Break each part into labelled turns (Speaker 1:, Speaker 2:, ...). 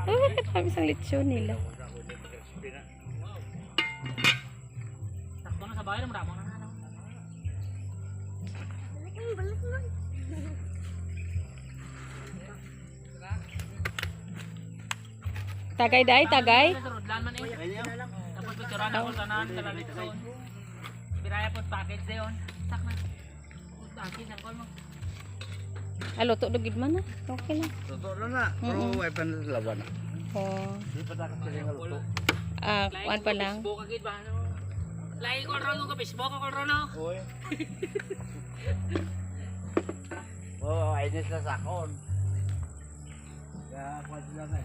Speaker 1: Oh, kami isang lechon nila.
Speaker 2: Takbo na sa bahay, namramo na ano.
Speaker 1: Tagay day, tagay.
Speaker 2: Rodlan man eh. Tapos picturean ako tanan sa litson. Biraya po package dayon. Sak na. Package ang call mo.
Speaker 1: Alo, to dugid man na. Okay lang.
Speaker 3: Totoo lang na. Pero ay pa na sa laban.
Speaker 1: Oh.
Speaker 3: Di pa takas sila nga luto.
Speaker 1: Kuan pa lang.
Speaker 2: Facebook agad ba ano? Like ko ron ko Facebook ko ron no.
Speaker 3: Oy. Oh, ay sa sakon. Kaya kung sila nga,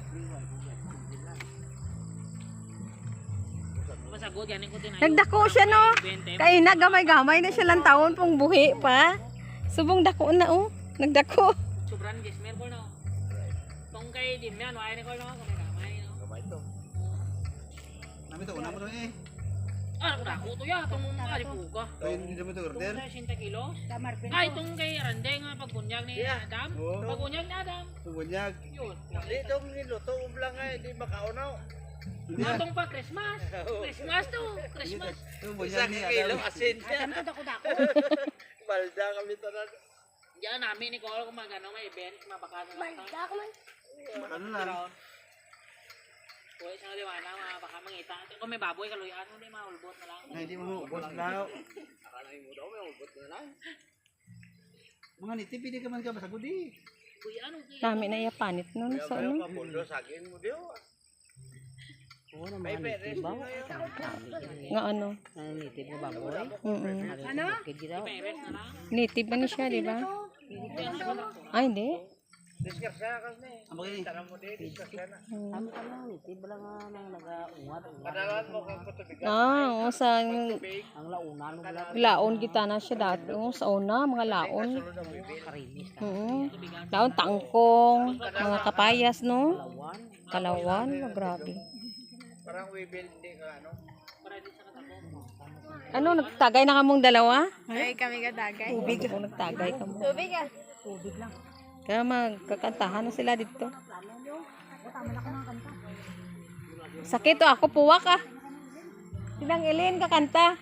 Speaker 2: Masagod yan ko tinayo.
Speaker 1: Nagdako siya no. Kay nagamay-gamay na siya lang taon pong buhi pa. Subong dako na oh. Nagdako.
Speaker 2: Sobrang gismer ko no. Tong kay din yan, wala ni ko no. Kung gamay no.
Speaker 3: gamay to. Nami to, una mo to eh.
Speaker 2: Ah, ako to ya, tong ali puga.
Speaker 3: Ay, hindi mo to order.
Speaker 2: 60 kilos. Ay, tong kay Rande nga pagbunyag ni Adam.
Speaker 3: Oo.
Speaker 2: Pagbunyag ni Adam.
Speaker 3: Bunyag.
Speaker 2: Yun.
Speaker 3: Di to niluto ublang ay di makaunaw.
Speaker 2: Natong pa Christmas. Christmas to. Christmas.
Speaker 3: Bunyag ni Adam. Asin niya. Adam to dako. Balda kami tanan.
Speaker 2: Diyan namin ni Cole kung magano may event, mabaka na lang. Balda ko man.
Speaker 3: Ano lang.
Speaker 2: Uy, isang liwana, baka mangita. Kung may baboy, kaluyan mo, di maulbot na lang.
Speaker 3: Ay, di mo ubos na. Akala mo daw may ubos na lang. Mga nitip, hindi ka man ka masagod eh.
Speaker 2: Uy, ano?
Speaker 1: Dami na yapanit no sa ano.
Speaker 3: Pamulo, sagin mo diyo.
Speaker 4: Oo naman, nitib ba?
Speaker 1: Nga ano.
Speaker 4: Nitib na baboy?
Speaker 1: Ano?
Speaker 2: Peres na lang.
Speaker 1: Native ba ni siya, di ba? Ay, hindi.
Speaker 3: Diskarsa ka na eh. Ang bagay. Tara mo din, diskarsa na.
Speaker 4: Ano ka lang, nitib lang nga nang nag-ungat.
Speaker 3: Padalan mo kung patubigan.
Speaker 1: Oo, sa
Speaker 4: Ang launan mo wala
Speaker 1: laon kita na siya dati. Oo, sa una, mga laon.
Speaker 4: karinis.
Speaker 1: Laon, tangkong, mga kapayas, no?
Speaker 4: Lawan.
Speaker 1: Kalawan, grabe.
Speaker 3: Parang we build din ka ano.
Speaker 1: Ano, nagtagay na kamong dalawa?
Speaker 5: Ay, kami ka dagay.
Speaker 1: Tubig. Oo, nagtagay ka mo.
Speaker 5: Tubig ah.
Speaker 1: Kaya magkakantahan na sila dito. Sakit to, ako puwak ah. Sinang Ilin kakanta.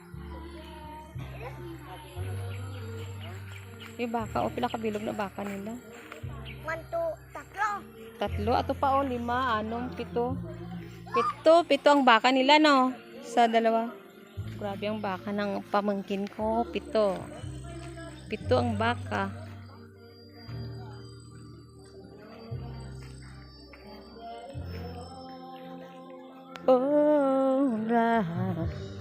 Speaker 1: Yung baka, o pila kabilog na baka nila.
Speaker 5: 1, 2, 3.
Speaker 1: Tatlo, ato pa o, 5, 6, 7. Pito ang baka nila no, sa dalawa. Grabe ang baka ng pamangkin ko, 7. 7 ang baka. Oh,